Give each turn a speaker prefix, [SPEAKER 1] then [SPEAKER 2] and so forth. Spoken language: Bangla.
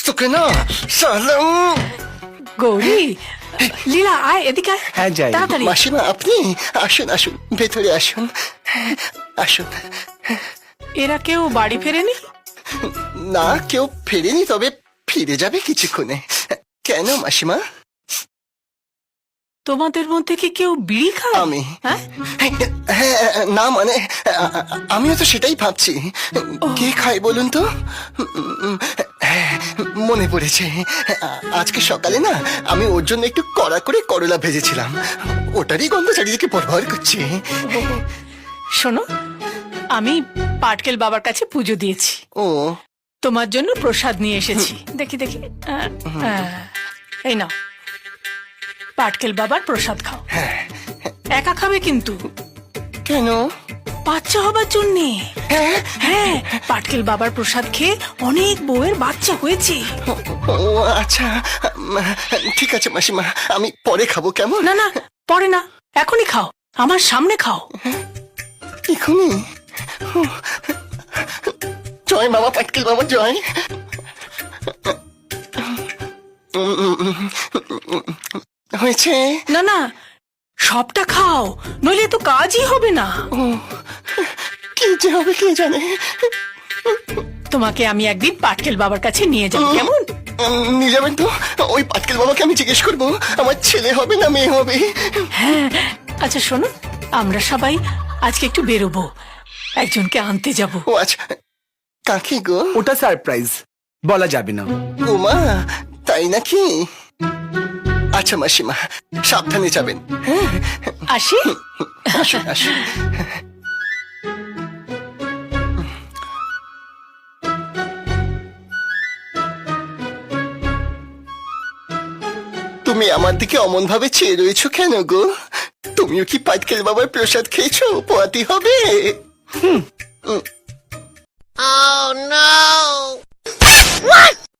[SPEAKER 1] তোকে না সালাম।
[SPEAKER 2] গৌরী, লীলা আয় এদিকে আয়।
[SPEAKER 3] হ্যাঁ, যাই।
[SPEAKER 2] তাড়াতাড়ি।
[SPEAKER 1] মাসিমা আপনি আসুন আসুন, ভেতরে আসুন আসুন।
[SPEAKER 2] এরা কেউ বাড়ি ফেরেনি?
[SPEAKER 1] না, কেউ ফেরেনি, তবে ফিরে যাবে কিছুক্ষণে। কেন মাসিমা?
[SPEAKER 2] তোমাদের মধ্যে কি কেউ বিড়ি খায়?
[SPEAKER 1] আমি।
[SPEAKER 2] হ্যাঁ?
[SPEAKER 1] হ্যাঁ, না মানে আমিও তো সেটাই ভাবছি। কে খায় বলুন তো? হ্যাঁ, মনে পড়েছে। আজকে সকালে না আমি ওর জন্য একটু কড়া করে করলা ভেজেছিলাম, ওটারই গন্ধ চারিদিকে ভরভর করছে।
[SPEAKER 2] শোনো, আমি পাটকেল বাবার কাছে পুজো দিয়েছি,
[SPEAKER 1] ও
[SPEAKER 2] তোমার জন্য প্রসাদ নিয়ে এসেছি। দেখি দেখি, এই নাও, পাটকেল বাবার প্রসাদ খাও। একা খাবে কিন্তু,
[SPEAKER 1] কেন?
[SPEAKER 2] বাচ্চা হবার জন্যে। হ্যাঁ, পাটকেল বাবার প্রসাদ খেয়ে অনেক বউয়ের বাচ্চা হয়েছে।
[SPEAKER 1] ও আচ্ছা, ঠিক আছে মাসিমা, আমি পরে খাবো, কেমন?
[SPEAKER 2] না না, পরে না, এখনই খাও, আমার সামনে খাও।
[SPEAKER 1] এখনই? জয় বাবা পাটকেল বাবা, জয়। হয়েছে?
[SPEAKER 2] না না, সবটা খাও, নইলে তো কাজই হবে না।
[SPEAKER 1] কি যে হবে কে জানে।
[SPEAKER 2] তোমাকে আমি একদিন পাটকেল বাবার কাছে নিয়ে যাব, কেমন?
[SPEAKER 1] নিয়ে যাবেন তো? ওই পাটকেল বাবাকে আমি জিজ্ঞেস করবো আমার ছেলে হবে না মেয়ে হবে।
[SPEAKER 2] হ্যাঁ, আচ্ছা শোনো, আমরা সবাই আজকে একটু বেরোবো, একজনকে আনতে যাব।
[SPEAKER 1] ও আচ্ছা, কাকে গো?
[SPEAKER 3] ওটা সারপ্রাইজ, বলা যাবে না।
[SPEAKER 1] উমা, তাই নাকি? আচ্ছা মাসিমা, সাবধানে যাবেন।
[SPEAKER 2] আসি।
[SPEAKER 1] আসুন আসুন। তুমি আমার দিকে অমন ভাবে চেয়ে রয়েছো কেন গো? তুমিও কি পাটকেল বাবার প্রসাদ খেয়েছো? পোয়াতি হবে।